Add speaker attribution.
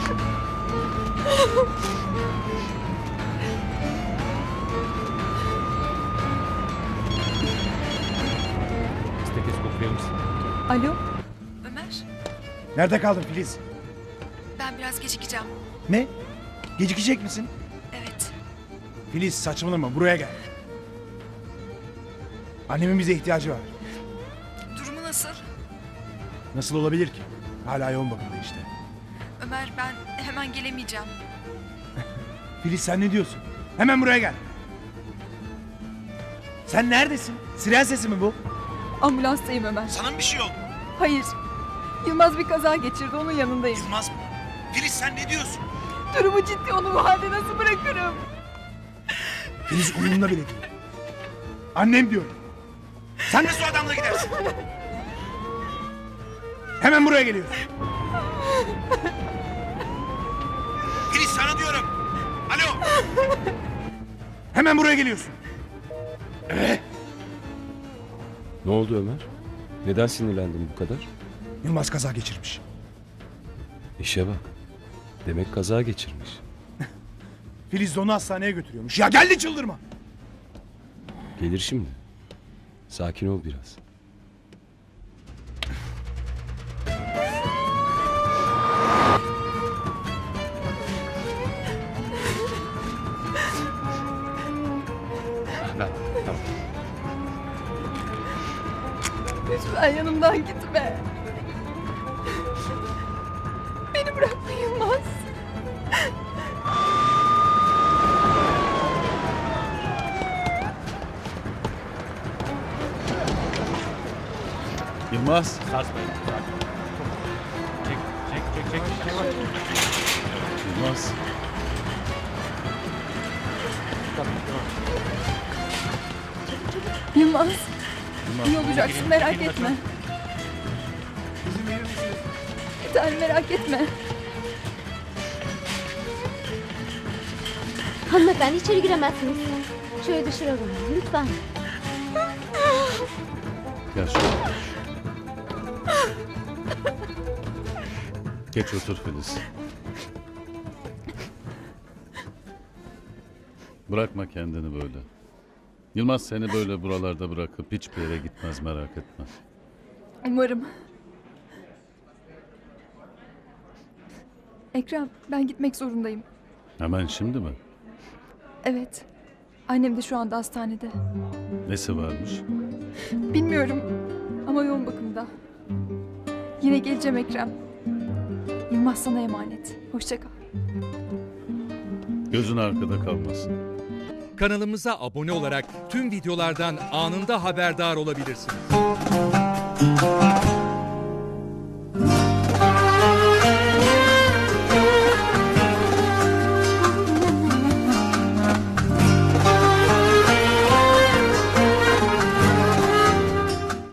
Speaker 1: Steteskop verir misin?
Speaker 2: Alo?
Speaker 3: Ömer,
Speaker 4: Nerede kaldın Filiz?
Speaker 3: ben biraz gecikeceğim.
Speaker 4: Ne? Gecikecek misin?
Speaker 3: Evet.
Speaker 4: Filiz saçmalama, buraya gel. Annemin bize ihtiyacı var.
Speaker 3: Durumu nasıl?
Speaker 4: Nasıl olabilir ki? Hala yoğun bakımda işte.
Speaker 3: Ömer, ben hemen gelemeyeceğim.
Speaker 4: Filiz sen ne diyorsun? Hemen buraya gel. Sen neredesin? Siren sesi mi bu?
Speaker 2: Ambulanstayım Ömer.
Speaker 4: Sana mı bir şey oldu?
Speaker 2: Hayır. Yılmaz bir kaza geçirdi, onun yanındayım.
Speaker 4: Yılmaz mı? Filiz sen ne diyorsun?
Speaker 2: Durumu ciddi, onu bu halde nasıl bırakırım?
Speaker 4: Filiz umurumda bile değil. Annem diyorum. Sen nasıl o adamla gidersin? Hemen buraya geliyorsun. Filiz sana diyorum. Alo. Hemen buraya geliyorsun.
Speaker 1: Ne oldu Ömer? Neden sinirlendin bu kadar?
Speaker 4: Yılmaz kaza geçirmiş.
Speaker 1: İşe bak. Demek kaza geçirmiş.
Speaker 4: Filiz de onu hastaneye götürüyormuş. Ya geldi çıldırma.
Speaker 1: Gelir şimdi. Sakin ol biraz. Tamam.
Speaker 2: Lütfen yanımdan gitme. Beni bırakma Yılmaz.
Speaker 5: Yılmaz. Yılmaz.
Speaker 2: Yılmaz,
Speaker 5: Yılmaz.
Speaker 2: iyi olacaksın, merak etme. Bir tane merak etme.
Speaker 6: Hanımefendi içeri giremezsiniz. Şöyle dışarı alın lütfen.
Speaker 5: Gel şöyle. Geç otur Filiz. Bırakma kendini böyle. Yılmaz seni böyle buralarda bırakıp hiçbir yere gitmez, merak etme.
Speaker 2: Umarım. Ekrem, ben gitmek zorundayım.
Speaker 5: Hemen şimdi mi?
Speaker 2: Evet. Annem de şu anda hastanede.
Speaker 5: Nesi varmış?
Speaker 2: Bilmiyorum ama yoğun bakımda. Yine geleceğim Ekrem. Yılmaz sana emanet. Hoşça kal.
Speaker 5: Gözün arkada kalmasın.
Speaker 7: Kanalımıza abone olarak tüm videolardan anında haberdar olabilirsiniz.